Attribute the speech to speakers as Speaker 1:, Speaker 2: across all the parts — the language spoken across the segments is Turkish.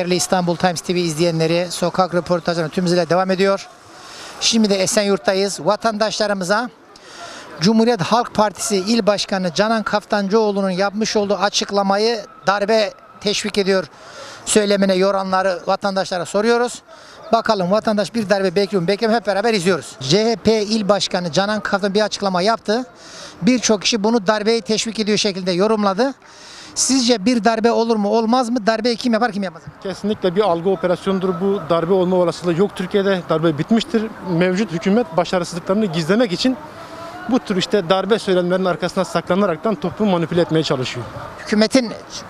Speaker 1: Değerli İstanbul Times TV izleyenleri, sokak röportajları tüm hızıyla devam ediyor. Şimdi de Esenyurt'tayız. Vatandaşlarımıza Cumhuriyet Halk Partisi İl Başkanı Canan Kaftancıoğlu'nun yapmış olduğu açıklamayı darbe teşvik ediyor söylemine yoranları vatandaşlara soruyoruz. Bakalım vatandaş bir darbe bekliyor mu beklemiyor, hep beraber izliyoruz. CHP İl Başkanı Canan Kaftancıoğlu bir açıklama yaptı. Birçok kişi bunu darbeyi teşvik ediyor şekilde yorumladı. Sizce bir darbe olur mu olmaz mı? Darbeyi kim yapar kim yapmaz?
Speaker 2: Kesinlikle bir algı operasyonudur bu. Darbe olma olasılığı yok Türkiye'de. Darbe bitmiştir. Mevcut hükümet başarısızlıklarını gizlemek için bu tür işte darbe söylemlerinin arkasına saklanaraktan toplumu manipüle etmeye çalışıyor.
Speaker 1: Hükümetin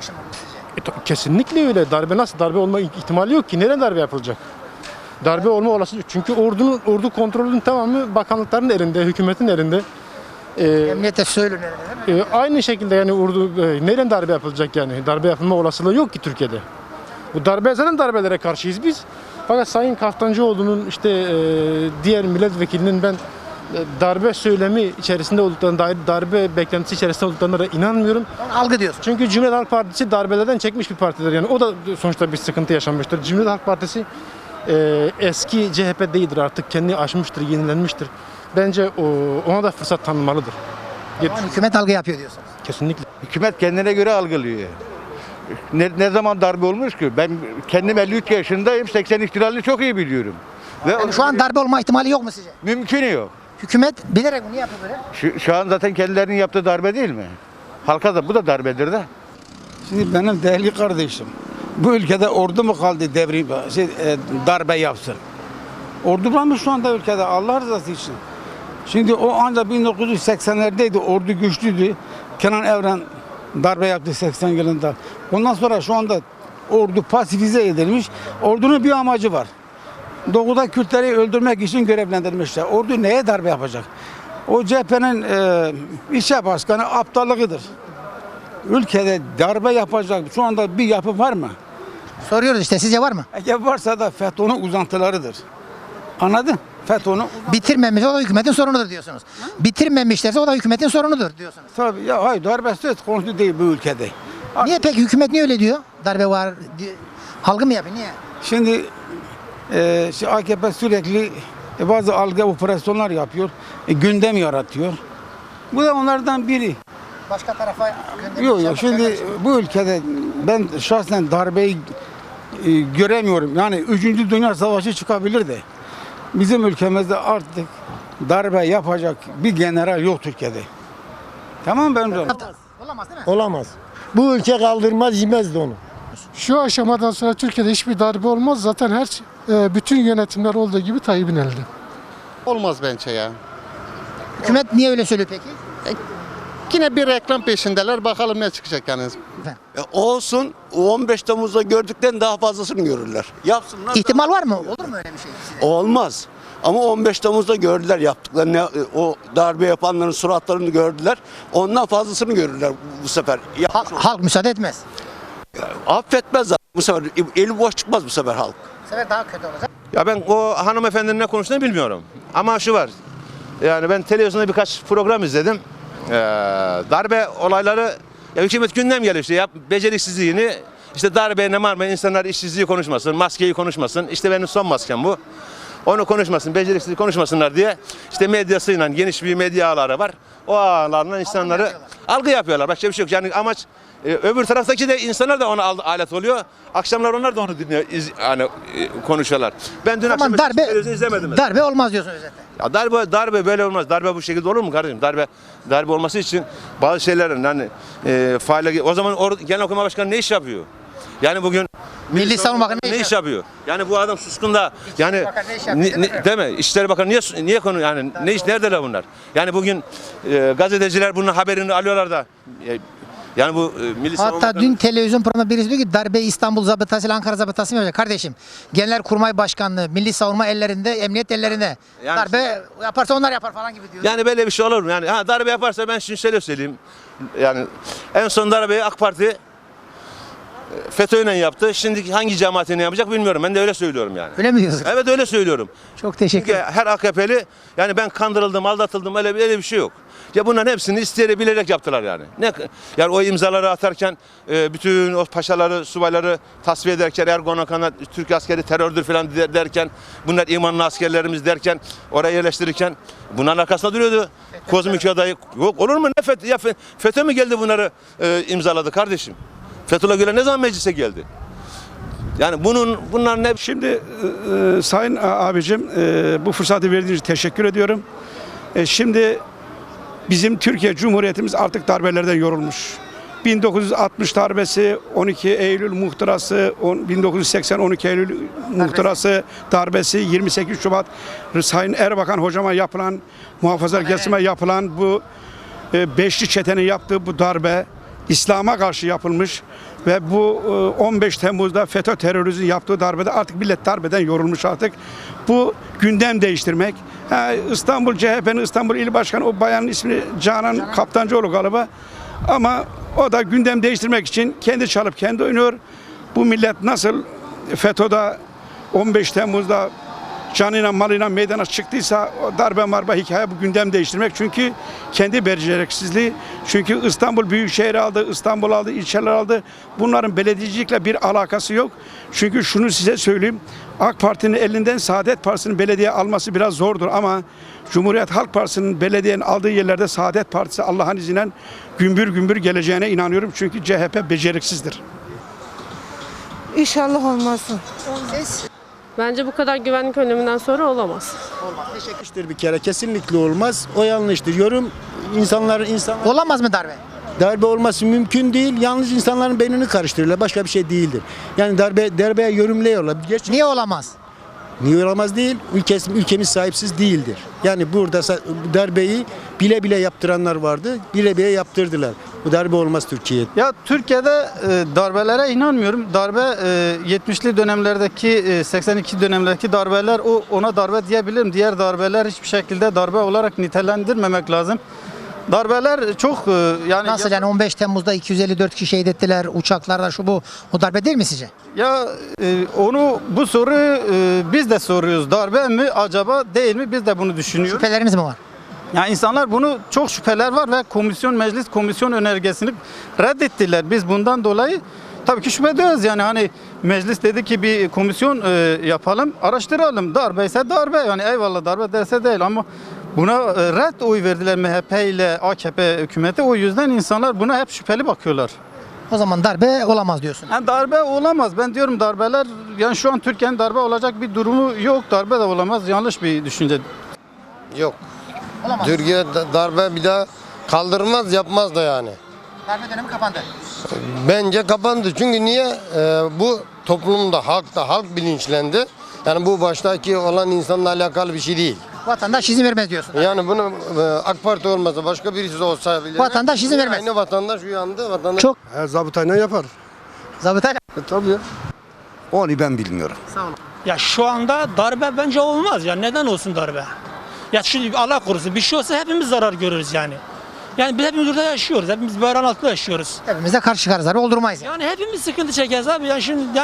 Speaker 2: Kesinlikle öyle. Darbe olma ihtimali yok ki. Nereden darbe yapılacak? Darbe olma olasılığı. Çünkü ordu kontrolünün tamamı bakanlıkların elinde, hükümetin elinde.
Speaker 1: emniyete söylüyor değil mi?
Speaker 2: Aynı şekilde yani nereden darbe yapılacak yani? Darbe yapılma olasılığı yok ki Türkiye'de. Bu zaten darbelere karşıyız biz. Fakat Sayın Kaftancıoğlu'nun işte diğer milletvekilinin ben darbe söylemi içerisinde olduklarına dair, darbe beklentisi içerisinde olduklarına da inanmıyorum.
Speaker 1: Algı diyorsun.
Speaker 2: Çünkü Cumhuriyet Halk Partisi darbelerden çekmiş bir partidir. Yani o da sonuçta bir sıkıntı yaşanmıştır. Cumhuriyet Halk Partisi eski CHP değildir, artık kendini aşmıştır, yenilenmiştir. Bence ona da fırsat tanınmalıdır.
Speaker 1: Hükümet algı yapıyor diyorsun.
Speaker 2: Kesinlikle.
Speaker 3: Hükümet kendine göre algılıyor. Ne zaman darbe olmuş ki? Ben kendim 53 yaşındayım, 80 ihtilalini çok iyi biliyorum. Ve
Speaker 1: Yani şu an darbe olma ihtimali yok mu sizce?
Speaker 3: mümkünü yok.
Speaker 1: Hükümet bilerek bunu yapıyor böyle.
Speaker 3: Şu an zaten kendilerinin yaptığı darbe değil mi? Halka da bu da darbedir de.
Speaker 4: Şimdi benim değerli kardeşim, bu ülkede ordu mu kaldı darbe yapsın? Ordu var mı şu anda ülkede Allah rızası için? Şimdi o ancak 1980'lerdeydi, ordu güçlüydü. Kenan Evren darbe yaptı 80 yılında. Ondan sonra şu anda ordu pasifize edilmiş. Ordunun bir amacı var. Doğuda Kürtleri öldürmek için görevlendirmişler. Ordu neye darbe yapacak? O CHP'nin ilçe başkanı aptallığıdır. Ülkede darbe yapacak şu anda bir yapı var mı?
Speaker 1: Soruyoruz işte, sizce var mı?
Speaker 4: Eğer varsa da FETÖ'nün uzantılarıdır. Anladın? FETÖ'nün
Speaker 1: Bitirmemiş, o da hükümetin sorunudur diyorsunuz. Bitirmemişlerse o da hükümetin sorunudur diyorsunuz.
Speaker 4: tabii ya hayır darbe söz konusu değil bu ülkede.
Speaker 1: Niye peki hükümet niye öyle diyor? Darbe var diye. Algı mı yapıyor? Niye?
Speaker 4: Şimdi AKP sürekli bazı algı operasyonlar yapıyor. Gündem yaratıyor. Bu da onlardan biri.
Speaker 1: Başka tarafa
Speaker 4: Yok şimdi bu ülkede ben şahsen darbeyi göremiyorum. Yani 3. Dünya Savaşı çıkabilir de. Bizim ülkemizde artık darbe yapacak bir general yok Türkiye'de. Tamam ben diyorum.
Speaker 1: Olamaz değil mi?
Speaker 5: Olamaz. Bu ülke kaldırmaz, yemezdi onu.
Speaker 6: Şu aşamadan sonra Türkiye'de hiçbir darbe olmaz. Zaten bütün yönetimler olduğu gibi Tayyip'in elinde.
Speaker 7: Olmaz bence ya.
Speaker 1: Hükümet niye öyle söylüyor peki?
Speaker 7: Yine bir reklam peşindeler. Bakalım ne çıkacak yani.
Speaker 8: Olsun, 15 Temmuz'da gördükten daha fazlasını görürler. Yapsınlar.
Speaker 1: İhtimal var mı? Olur mu öyle bir şey? Size?
Speaker 8: Olmaz. Ama 15 Temmuz'da gördüler yaptıklarını, o darbe yapanların suratlarını gördüler. Ondan fazlasını görürler bu sefer.
Speaker 1: Halk müsaade etmez.
Speaker 8: Affetmez zaten bu sefer. Eli boş çıkmaz bu sefer halk.
Speaker 1: Bu sefer daha kötü olacak.
Speaker 9: Ya ben o hanımefendinin ne konuştuğunu bilmiyorum. Ama şu var. Yani ben televizyonda birkaç program izledim. Darbe olayları hükümet gündem geliyor işte beceriksizliğini işte darbe marma insanlar işsizliği konuşmasın, maskeyi konuşmasın. İşte benim son maskem bu. Onu konuşmasın, beceriksizliği konuşmasınlar diye işte medyasıyla geniş bir medya ağları var. O ağlarla insanları algı yapıyorlar. Başka bir şey yok. Yani amaç öbür taraftaki de insanlar da ona alet oluyor. Akşamlar onlar da onu dinliyor, konuşuyorlar. Ben dün akşam televizyon izlemedim mesela.
Speaker 1: Darbe olmaz diyorsun özetle.
Speaker 9: Ya darbe böyle olmaz. Darbe bu şekilde olur mu kardeşim? Darbe olması için bazı şeylerin hani faile o zaman Genelkurmay Başkanı ne iş yapıyor? Yani bugün
Speaker 1: Milli Savunma Bakanı
Speaker 9: ne iş yapıyor? Yani bu adam suskun da yani değil mi? İçişleri Bakanı niye konu yani ne iş neredeler bunlar? Yani bugün gazeteciler bunun haberini alıyorlar da yani bu Milli Savunma
Speaker 1: Hatta
Speaker 9: Bakanı...
Speaker 1: dün televizyon programında birisi diyor ki darbe İstanbul zabıtası ile Ankara zabıtası mı yapacak? Kardeşim Genelkurmay Başkanlığı, Milli Savunma ellerinde, emniyet ellerinde.
Speaker 9: Yani
Speaker 1: darbe yaparsa onlar yapar falan gibi diyor.
Speaker 9: Yani böyle bir şey olur mu? Yani darbe yaparsa ben şimdi şöyle söyleyeyim. Yani en son darbeyi AK Parti FETÖ'yle yaptı. Şimdi hangi cemaatine yapacak bilmiyorum. Ben de öyle söylüyorum yani.
Speaker 1: Öyle mi diyorsun?
Speaker 9: Evet öyle söylüyorum.
Speaker 1: Çok teşekkür
Speaker 9: Çünkü
Speaker 1: ederim.
Speaker 9: her AKP'li yani ben kandırıldım, aldatıldım öyle bir şey yok. Ya bunların hepsini isteyerek bilerek yaptılar yani. Yani o imzaları atarken bütün o paşaları, subayları tasfiye ederken Erdoğan'a Türk askeri terördür falan derken bunlar imanlı askerlerimiz derken oraya yerleştirirken bunların arkasında duruyordu. Kozmik adayı yok olur mu? FETÖ mü geldi bunları imzaladı kardeşim? Fethullah Gülen ne zaman meclise geldi? Yani bunlar ne?
Speaker 10: Şimdi Sayın abicim bu fırsatı verdiğiniz için teşekkür ediyorum. Şimdi bizim Türkiye Cumhuriyetimiz artık darbelerden yorulmuş. 1960 darbesi, 12 Eylül muhtırası, 1980 12 Eylül muhtırası darbesi, 28 Şubat Sayın Erbakan hocama yapılan, muhafazakar kesime yapılan bu beşli çetenin yaptığı bu darbe İslam'a karşı yapılmış ve bu 15 Temmuz'da FETÖ terörizmin yaptığı darbede artık millet darbeden yorulmuş artık. Bu gündem değiştirmek. İstanbul CHP'nin İstanbul İl Başkanı o bayanın ismi Canan Kaptancıoğlu galiba. Ama o da gündem değiştirmek için kendi çalıp kendi oynuyor. Bu millet nasıl FETÖ'de 15 Temmuz'da canıyla malıyla meydana çıktıysa o darbe marba hikaye bu gündem değiştirmek. Çünkü kendi beceriksizliği. Çünkü İstanbul Büyükşehir aldı, İstanbul aldı, ilçeler aldı. Bunların belediyecilikle bir alakası yok. Çünkü şunu size söyleyeyim. AK Parti'nin elinden Saadet Partisi'nin belediye alması biraz zordur ama Cumhuriyet Halk Partisi'nin belediyenin aldığı yerlerde Saadet Partisi Allah'ın izniyle gümbür gümbür geleceğine inanıyorum. Çünkü CHP beceriksizdir.
Speaker 11: İnşallah olmasın.
Speaker 12: Bence bu kadar güvenlik önleminden sonra olamaz.
Speaker 5: Yanlıştır bir kere, kesinlikle olmaz. O yanlıştır. Yorum insanlar
Speaker 1: Olamaz mı darbe?
Speaker 5: darbe olması mümkün değil. Yalnız insanların beynini karıştırırlar. Başka bir şey değildir. Yani darbeye yorumluyorlar.
Speaker 1: Niye olamaz?
Speaker 5: Niye olamaz değil? Ülkemiz sahipsiz değildir. Yani burada darbeyi bile bile yaptıranlar vardı. Bile bile yaptırdılar. Bu darbe olmaz Türkiye'de.
Speaker 4: Ya Türkiye'de darbelere inanmıyorum. Darbe 70'li dönemlerdeki 82 dönemlerdeki darbeler ona darbe diyebilirim. Diğer darbeler hiçbir şekilde darbe olarak nitelendirmemek lazım. Darbeler çok yani
Speaker 1: Nasıl yani 15 Temmuz'da 254 kişi şehit ettiler uçaklarda şu bu. O darbe değil mi sizce?
Speaker 4: ya bu soruyu biz de soruyoruz. Darbe mi acaba değil mi? Biz de bunu düşünüyoruz.
Speaker 1: Şüpheleriniz mi var?
Speaker 4: Yani insanlar bunu çok şüpheler var ve meclis komisyon önergesini reddettiler. Biz bundan dolayı tabii ki şüphe ediyoruz. Yani hani meclis dedi ki bir komisyon yapalım, araştıralım. Darbe ise darbe. Yani eyvallah darbe derse değil ama buna red oy verdiler MHP ile AKP hükümeti. O yüzden insanlar buna hep şüpheli bakıyorlar.
Speaker 1: O zaman darbe olamaz diyorsun.
Speaker 4: Yani darbe olamaz. Ben diyorum darbeler yani şu an Türkiye'nin darbe olacak bir durumu yok. Darbe de olamaz. Yanlış bir düşünce.
Speaker 5: Yok.
Speaker 1: Olamaz.
Speaker 5: Türkiye darbe bir daha kaldırmaz, yapmaz da yani.
Speaker 1: Darbe dönemi kapandı.
Speaker 5: Bence kapandı. Çünkü niye? Bu toplumda, halk bilinçlendi. Yani bu baştaki olan insanla alakalı bir şey değil.
Speaker 1: Vatandaş izin vermez diyorsun.
Speaker 5: Yani bunu AK Parti olmasa başka birisi olsa bile
Speaker 1: Vatandaş izin vermez.
Speaker 5: Aynı vatandaş uyandı. Vatandaş
Speaker 1: Çok.
Speaker 5: Zabıtayla yapar.
Speaker 1: Zabıtayla.
Speaker 5: Tabii.
Speaker 8: Onu ben bilmiyorum.
Speaker 1: Sağ olun.
Speaker 11: Ya şu anda darbe bence olmaz ya. Neden olsun darbe? Ya şimdi Allah korusun bir şey olsa hepimiz zarar görürüz yani. Yani biz hepimiz burada yaşıyoruz. Hepimiz bayrak altında yaşıyoruz.
Speaker 1: Hepimiz de karşı çıkarız abi oldurmayız.
Speaker 11: Yani hepimiz sıkıntı çekeriz abi. Yani şimdi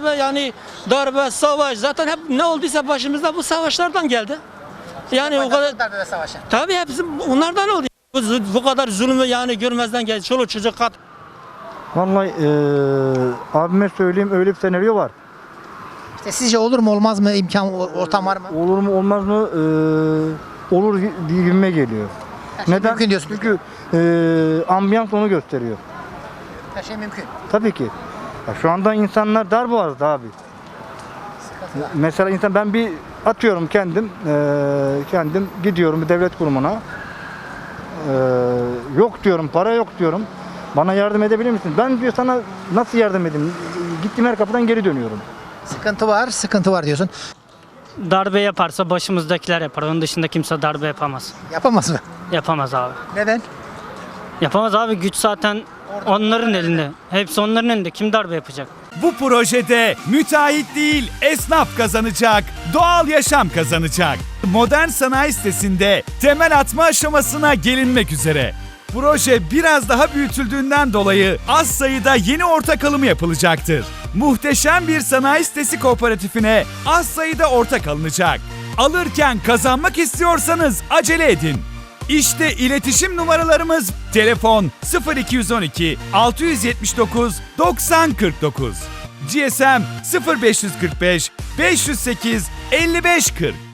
Speaker 11: darbe, savaş zaten hep ne olduysa başımızda bu savaşlardan geldi. Yani o kadar
Speaker 1: Darbe ve savaşı.
Speaker 11: tabii hepsi onlardan oldu. Bu kadar zulmü yani görmezden geldi. Çoluk çocuk kat.
Speaker 2: Vallahi abime söyleyeyim öyle bir senaryo var.
Speaker 1: İşte sizce olur mu olmaz mı imkan ortam var mı?
Speaker 2: Olur mu olmaz mı? Olur gibime geliyor. Neden?
Speaker 1: Mümkün diyorsun.
Speaker 2: Çünkü ambiyans onu gösteriyor.
Speaker 1: Her şey mümkün.
Speaker 2: Tabii ki. Ya şu anda insanlar darboğazda abi. Mesela ben bir atıyorum kendim gidiyorum bir devlet kurumuna. Yok diyorum, para yok diyorum. Bana yardım edebilir misin? Ben diyor sana nasıl yardım edeyim? Gittiğim her kapıdan geri dönüyorum.
Speaker 1: Sıkıntı var diyorsun.
Speaker 11: Darbe yaparsa başımızdakiler yapar. Onun dışında kimse darbe yapamaz.
Speaker 1: Yapamaz mı?
Speaker 11: Yapamaz abi.
Speaker 1: Neden?
Speaker 11: Yapamaz abi. Güç zaten onların elinde. Hepsi onların elinde. Kim darbe yapacak?
Speaker 13: Bu projede müteahhit değil esnaf kazanacak, doğal yaşam kazanacak. Modern Sanayi sitesinde temel atma aşamasına gelinmek üzere. Proje biraz daha büyütüldüğünden dolayı az sayıda yeni ortak alımı yapılacaktır. Muhteşem bir sanayi sitesi kooperatifine az sayıda ortak alınacak. Alırken kazanmak istiyorsanız acele edin. İşte iletişim numaralarımız: telefon 0212 679 9049, GSM 0545 508 5540.